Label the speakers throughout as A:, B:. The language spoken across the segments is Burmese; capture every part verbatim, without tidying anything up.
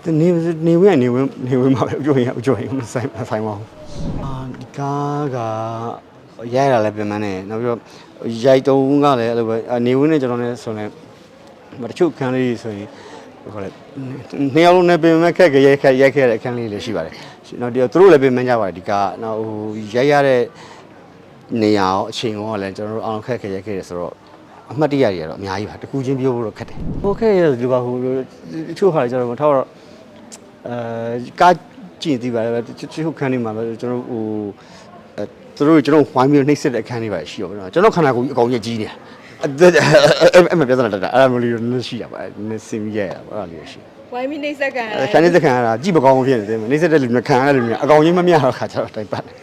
A: နေနေဝင်နေဝင်နေဝင်မှာပဲအကျိုးရင်အကျိုးရင်ဆိုင်ဆိုင်ပါဘူးအာဒီကားကရိုက်ရလည်းပြင်မနဲ့နောက်ပြီးတော့ရိုက်တုံးကလည်းအဲ့လိုပဲနေဝင်နဲ့ကျွန်တော်လည်းဆိုနေတချို့ခန်းလေးဆိုရင်ဟိုလေနှစ်ယောက်လုံးနဲ့ပြင်မဲ့ခက်ကြရိုက်ခက်ရိုက်ခဲ့တဲ့အခန်းလေးလည်းရှိပါတယ်နောက်ဒီသူတို့လည်းပြင်မကြပါတယ်ဒီကားနောက်ဟိုရိုက်ရတဲ့နေရာရောအချိန်ရောလည်းကျွန်တော်တို့အောင်ခက်ခက်ရိုက်ခဲ့တယ်ဆိုတော့အမှတ်တရတွေကတော့အများကြီးပါတကူချင်းပြောဖို့တော့ခက်တယ်ဟိုခက်ရဒီပါဟိုတချို့ဟာကျွန်တော်ထောက်တော့အဲကားကြည့်သေးပါတယ်တချို့ခန်းနေမှာပဲကျွန်တော်ဟိုအဲသူတို့ကျွန်တော်ဝိုင်းပြီးနှိမ့်ဆက်တဲ့အခန်းလေးပါရှိရောဗျာကျွန်တော်ခန္ဓာကိုယ်ကြီးအကောင်ကြီးကြီးနေတာအဲ့မပြဿနာတက်တာအဲ့လိုမျိုးလေးရှိရပါနည်းစင်ရရပါအဲ့လိုရှိ
B: ဝိုင်းပြီးနှိမ့်ဆက်ကန်
A: ခန်းနေစကန်ကကြည့်မကောင်းဖြစ်နေတယ်နှိမ့်ဆက်တဲ့လူမျိုးခံရတဲ့လူမျိုးအကောင်ကြီးမမြတော့ခါကျတော့တိုင်ပတ်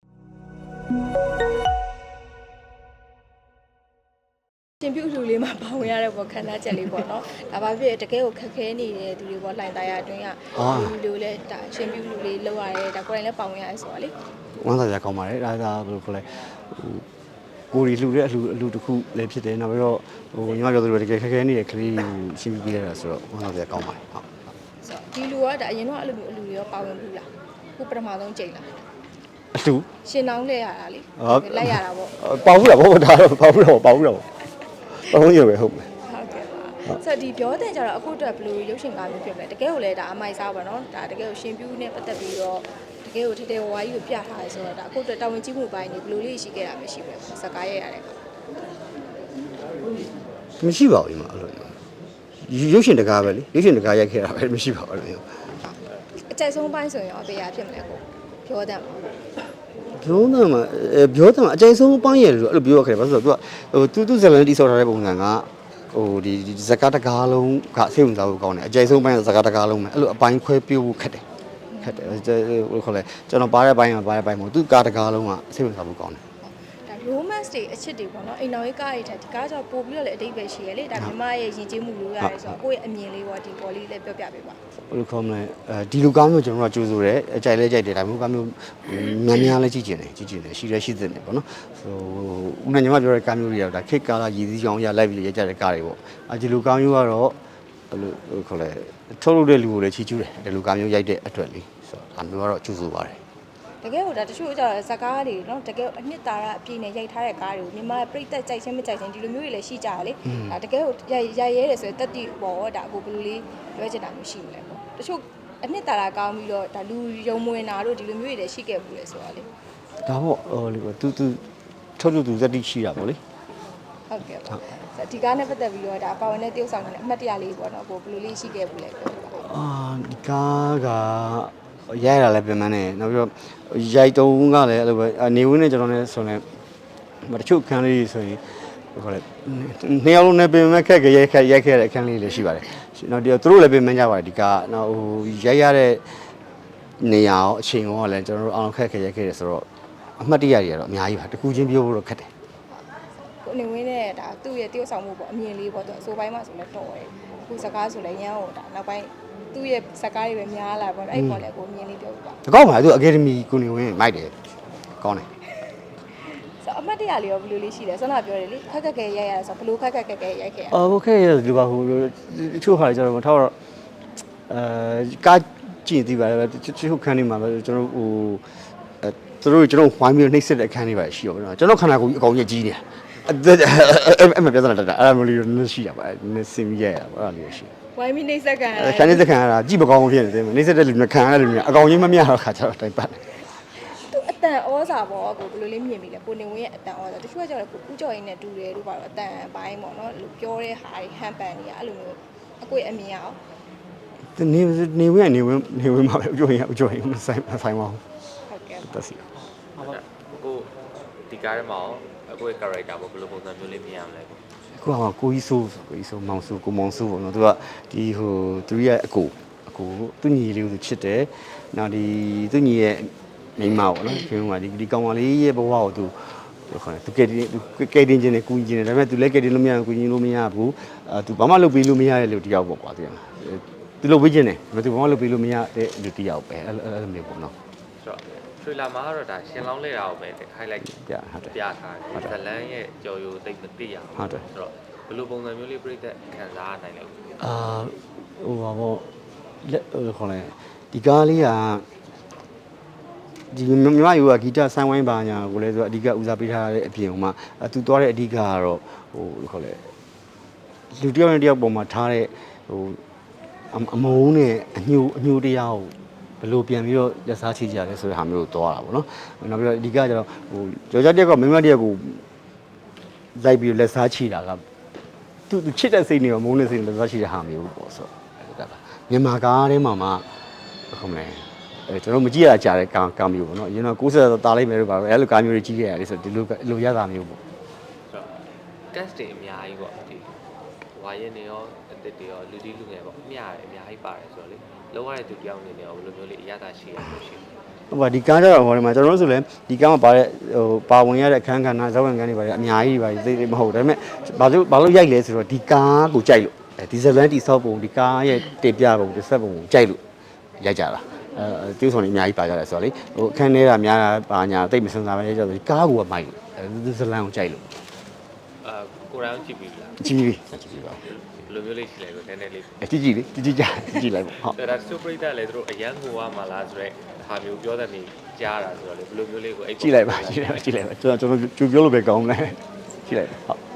B: ရှင်ပြုလူလေးမှာပေါဝင်ရတဲ့ပေါ့ခန္ဓာချက်လေးပေါ့နော်ဒါပါဖြစ်တကယ်ကိုခက်ခဲနေတဲ့သူတွေပေါ့လှိုင်သားရအတွင်းကလူလူလေးဒါရှင်ပြုလူလေးလောက်ရတယ်ဒါကိုယ်တိုင်လည်းပေါဝင်ရတယ်ဆိုတော့လေ
A: ဝမ်းသာကြကောင်းပါတယ်ဒါသာဘယ်လိုခေါ်လဲဟိုကိုရီလှူတဲ့အလှူအလှူတစ်ခုလည်းဖြစ်တယ်နောက်ပြီးတော့ဟိုညီမပြောသလိုတကယ်ခက်ခဲနေတဲ့ကလေးရှင်းပြပေးရတာဆိုတော့ဝမ်းသာကြကောင်းပါတယ်ဟုတ်
B: ဆိုတော့ဒီလူကဒါအရင်တော့အဲ့လိုမျိုးအလှူတွေရောပါဝင်ဘူးလားခုပထမဆုံးချိန်လား
A: အလှူ
B: ရှင်နောင်းလဲရတာလေလိုက်ရတာပေါ့
A: ပေါဘူးလားဘောဒါတော့ပေါဘူးတော့ပေါဘူးတော့ပေါဘူးရပဲဟုတ်မယ်
B: ဟုတ်ကဲ့ပါဆိုတော့ဒီပြောတဲ့ကြတော့အခုအတွက်ဘယ်လိုရုပ်ရှင်ကားမျိုးဖြစ်မလဲတကယ်ကိုလည်းဒါအမိုက်စားပါနော်ဒါတကယ်ကိုရှင်ပြူးနဲ့ပတ်သက်ပြီးတော့တကယ်ကိုထဲထဲဝါးကြီးကိုပြထားရဲဆိုတော့ဒါအခုအတွက်တာဝန်ကြီးမှုပိုင်းနေဘယ်လိုလေးရှိခဲ့တာမရှိဘူးစကားရရတဲ့
A: မရှိပါဘူးဒီမှာအဲ့လိုရုပ်ရှင်တကားပဲလေရုပ်ရှင်တကားရိုက်ခဲ့တာပဲမရှိပါဘူးအဲ့လို
B: အကျိုက်ဆုံးပိုင်းဆိုရင်ရောအပေးရဖြစ်မလဲကိုပြောတယ်မှာ
A: ပြောတယ်မှာပြောတယ်မှာအကျိုက်ဆုံးပိုင်းရတယ်လို့အဲ့လိုပြောရခဲ့တယ်ဘာလို့ဆိုတော့သူကဟိုသူသူဇလန်တီဆောက်ထားတဲ့ပုံစံကဟိုဒီဇကာတကားလုံးကစိတ်ဝင်စားဖို့ကောင်းတယ်အကျိုက်ဆုံးပိုင်းကဇကာတကားလုံးပဲအဲ့လိုအပိုင်းခွဲပြဖို့ခက်တယ်ခက်တယ်ဟိုခေါ်လဲကျွန်တော်ပါတဲ့ပိုင်းကပါတဲ့ပိုင်းမဟုတ်သူကားတကားလုံးကစိတ်ဝင်စားဖို့ကောင်းတယ်
B: ဒါ romance တွေအချစ်တွေပေါ့နော်အိမ်တော်ရေးကားတွေထက်ဒီကားကြောင့်ပို့ပြီးတော့လည်းအတိတ်ပဲရှိရလေဒါမြမရဲ့ယဉ်ကျေးမှုလိုရတယ်ဆိုတော့ကိုယ့်ရဲ့အမြင်လေးပေါ့ဒီပေါ်လေးလည်းပြောပြပေးပါ
A: ဘယ်လိုခေါ်မလဲအဲဒီလူကားမျိုးကျွန်တော်ကကြိုးဆိုတယ်အကြိုက်လဲကြိုက်တယ်ဒါမျိုးကားမျိုးများများလဲကြည့်ကျင်တယ်ကြည့်ကျင်တယ်ရှိရဲရှိတဲ့နေပေါ့နော်ဟိုဦးနဲ့ညီမပြောတဲ့ကားမျိုးတွေကဒါခိတ်ကားလာရည်စည်းချောင်းရလိုက်ပြီးရကြတဲ့ကားတွေပေါ့အဲဒီလူကားမျိုးကတော့ဘယ်လိုခေါ်လဲထုတ်လုပ်တဲ့လူကိုလည်းချီးကျူးတယ်ဒီလူကားမျိုးရိုက်တဲ့အတွက်လေးဆိုတော့ဒါမျိုးကတော့ကြိုးဆိုပါတယ်
B: တကယ်ဟိုဒါတချို့ကျတော့ဇကားတွေနော်တကယ်အနှစ်သာရအပြည့်နဲ့ရိုက်ထားတဲ့ကားတွေကိုမြန်မာပြည်သက်ကြိုက်ချင်းမကြိုက်ချင်းဒီလိုမျိုးတွေလည်းရှိကြရလေဒါတကယ်ဟိုရိုက်ရဲတယ်ဆိုရင်တက်တိပေါ့ဒါအခုဘယ်လိုလေးပြောချင်တာမျိုးရှိမလဲပေါ့တချို့အနှစ်သာရကောင်းပြီးတော့ဒါလူယုံမွေနာတို့ဒီလိုမျိုးတွေလည်းရှိခဲ့ဘူးလေဆိုတော့လေ
A: ဒါပေါ့ဟိုလေသူသူထုတ်ထုတ်သူဇက်တိရှိတာပေါ့လေ
B: ဟုတ်ကဲ့ပါဒီကားနဲ့ပတ်သက်ပြီးတော့ဒါပါဝင်တဲ့တယောက်ဆောင်နေတဲ့အမှတ်တရလေးပေါ့နော်ကိုဘယ်လိုလေးရှိခဲ့ဘူးလဲပြောပါ
A: အာဒီကားကရိုက်ရလည်းပြင်မနဲ့နောက်ပြီးတော့ရိုက်တုံးကလည်းအဲ့လိုပဲနေဝင်နဲ့ကျွန်တော်လည်းဆိုနေတချို့ခန်းလေးဆိုရင်ဟိုလေနှစ်ယောက်လုံးနဲ့ပြင်မဲ့ခက်ကြရိုက်ခက်ရိုက်ခဲ့တဲ့အခန်းလေးလည်းရှိပါတယ်နောက်ဒီသူတို့လည်းပြင်မကြပါတယ်ဒီကားနောက်ဟိုရိုက်ရတဲ့နေရာရောအချိန်ရောလည်းကျွန်တော်တို့အောင်ခက်ခက်ရိုက်ခဲ့တယ်ဆိုတော့အမှတ်တရတွေကတော့အများကြီးပါတကူချင်းပြောဖို့တော့ခက်တယ်
B: ကိုနေဝင်နဲ့ဒါသူ့ရဲ့တယောက်ဆောင်မှုပေါ့အမြင်လေးပေါ့သူအစိုးပိုင်းမှာဆိုလဲတော်တယ်အခုစကားဆိုလဲရန်ဟိုဒါနောက်ပိုင်းသူ့ရဲ့စကားတွေပဲများလာပေါ့အဲ့ပေါ်လဲကိုအမြင်လေးပြောပြပါ
A: တကောက်ပါသူအကယ်ဒမီကိုနေဝင်မိုက်တယ်ကောင်းတယ်
B: ဆိုအမှတ်တရလေးရောဘယ်လိုလေးရှိလဲဆွမ်းနာပြောတယ်လေခက်ခက်ခဲရိုက်ရတာဆိုဘယ်လိုခက်ခက်ခဲခဲရိုက်ခဲ့ရ
A: အော်โอเคဒီပါဟိုတချို့ဟာကျွန်တော်ထောက်တော့အဲကားကြည့်သေးပါတယ်တချို့ခန်းနေမှာပဲကျွန်တော်ဟိုအဲသူတို့ကျွန်တော်ဝိုင်းပြီးနှိမ့်ဆက်တဲ့အခန်းလေးပါရှိရောဗျာကျွန်တော်ခန္ဓာကိုယ်ကြီးအကောင်ကြီးကြီးနေတာအဲ့မပြဿနာတက်တာအဲ့လိုမျိုးလေးရှိရပါနည်းစင်ရရပါအဲ့လိုရှိ
B: ဝိုင်းပြီးနှိမ့်ဆက်ကန်
A: ခန်းနေစကန်ကကြည့်မကောင်းဖြစ်နေတယ်နှိမ့်ဆက်တဲ့လူမျိုးခံရတဲ့လူမျိုးအကောင်ကြီးမမြတော့ခါကျတော့တိုင်ပတ်
B: သူအတန်ဩစာပေါ့ကိုဘယ်လိုလေးမြင်ပြီလဲကိုနေဝင်းရဲ့အတန်ဩစာတချို့ကကျတော့ကိုဦးကျော်ရင်းနဲ့တူတယ်လို့ပါတော့အတန်ပိုင်းပေါ့နော်ပြောတဲ့ဟာတွေဟန်ပန်တွေကအဲ့လိုမျိုးအကွေအမြင်အောင်
A: နေနေဝင်နေဝင်နေဝင်မှာပဲအကျိုးရင်အကျိုးရင်ဆိုင်ဆိုင်ပါဘူး
B: ဟုတ်ကဲ့
A: တက်စီ
C: ဟုတ်ကဲ့ကိုဒီကားထဲမှာအကိုရဲ့ character ပေါ့ဘယ်လိုပုံစံမျိုးလေးမြင်ရမလဲ
A: ကိုကကိုကြီးဆိုးကိုကြီးဆိုးမောင်ဆိုးကိုမောင်ဆိုးပေါ့နော်သူကဒီဟိုသူရဲ့အကိုအကိုသူညီလေးကိုချစ်တယ်နောက်ဒီသူညီရဲ့မိန်းမပေါ့နော်ခင်ဗျာဒီဒီကောင်မလေးရဲ့ဘဝကိုသူခေါ်တယ်သူကဲတင်သူကဲတင်ခြင်းနဲ့ကူညီခြင်းနဲ့ဒါပေမဲ့သူလည်းကဲတင်လို့မရဘူးကူညီလို့မရဘူးအဲသူဘာမှလုပ်ပေးလို့မရတဲ့လူတယောက်ပေါ့ကွာသူကသူလုပ်ပေးခြင်းနဲ့ဒါပေမဲ့သူဘာမှလုပ်ပေးလို့မရတဲ့လူတယောက်ပဲအဲ့အဲ့လိုမျိုးပေါ့နော်
C: ဆိုတော့ထရီလာမှာကတော့ဒါရှင်လောင်းလဲတာကိုပဲ highlight
A: ပြဟုတ်တယ်
C: ပြထားတယ်ဇလန်းရဲ့ကြော်ရိုသိမသိရအောင်
A: ဟုတ်တယ်
C: ဆိုတော့ဘယ်လိုပုံစံမျိုးလေးပြည့်တဲ့ခံစားနိုင်လဲ
A: အာဟိုပါပေါ့ခေါ်လဲဒီကားလေးကဒီမြမယူကဂီတဆိုင်းဝိုင်းပါညာကိုလည်းဆိုအဓိကဦးစားပေးထားတဲ့အပြင်ဟိုမှာသူသွားတဲ့အဓိကကတော့ဟိုခေါ်လဲလူတယောက်နဲ့တယောက်ပုံမှာထားတဲ့ဟိုအမုန်းနဲ့အညိုအညိုတရားကိုဘယ်လိုပြန်ပြီးတော့လက်စားချိကြလဲဆိုတဲ့ဟာမျိုးကိုသွားတာပေါ့နော်နောက်ပြီးတော့အဓိကကျတော့ဟိုကြော်ကြတယောက်ကမင်းမတယောက်ကိုလိုက်ပြီးလက်စားချိတာကသူသူချစ်တဲ့စိတ်နဲ့မုန်းတဲ့စိတ်နဲ့လက်စားချိတဲ့ဟာမျိုးပေါ့ဆိုတော့မြန်မာကားထဲမှာမှခေါ်မလဲအဲကျွန်တော်မကြည့်ရကြတဲ့ကာကာမျိုးပေါ့နော်အရင်တော့ကိုးဆက်တာလိုက်မယ်လို့ပါပဲအဲ့လိုကာမျိုးတွေကြီးခဲ့ရတယ်ဆိုတော့ဒီလိုလိုရတာမျိုးပေါ့
C: cast တွေအများကြီးပေါ့ဒီဝါရင်တွေရောအစ်တွေရောလူကြီးလူငယ်ပေါ့အများကြီးအများကြီးပါတယ်ဆိုတော့လေလုံးဝတဲ့သူတယောက်အနေနဲ့ရောဘယ်လိုမျိုးလေးအရသာရှိရလို့ရှိလဲ
A: ဟုတ်ပါဒီကားတော့ဟိုမှာကျွန်တော်တို့ဆိုလည်းဒီကားမှာပါတဲ့ဟိုပါဝင်ရတဲ့အခန်းကဏ္ဍဇောက်ဝင်ကန်းတွေပါတယ်အများကြီးပါသိသိမဟုတ်ဒါပေမဲ့ဘာလို့ဘာလို့ရိုက်လဲဆိုတော့ဒီကားကိုကြိုက်လို့ဒီဇလန်တီဆောက်ပုံဒီကားရဲ့တင်ပြပုံဒီဆက်ပုံကိုကြိုက်လို့ရိုက်ကြတာအဲတူးဆောင်နေအများကြီးပါကြတယ်ဆိုတော့လေဟိုအခန်းထဲကများတာပါညာတိတ်မစင်စားပဲရိုက်ကြဆိုဒီကားကိုကမိုက်လို့ဒီဇလန်ကိုကြိုက်လို့
C: အာကိုရောင်းကြည့်ပြီလား
A: ကြည့်ပြီကြည့်ပြီပါ
C: ဘယ်လိုမျိုးလေးရှိလဲကိုနည်းနည်းလေး
A: အကြည့်ကြည့်လေကြည့်ကြည့်ကြကြည့်လိုက်ပေါ့ဟုတ်
C: ဒါစူပရိသတ်လည်းသူတို့အရန်ကိုဝါမလားဆိုတော့ဟာမျိုးပြောတဲ့နေကြားတာဆိုတော့လေဘယ်လိုမျိုးလေးကိုအဲ့
A: ကြည့်လိုက်ပါကြည့်လိုက်ပါကြည့်လိုက်ပါကျွန်တော်ကျွန်တော်ကြိုပြောလို့ပဲကောင်းတယ်ကြည့်လိုက်ပါဟုတ်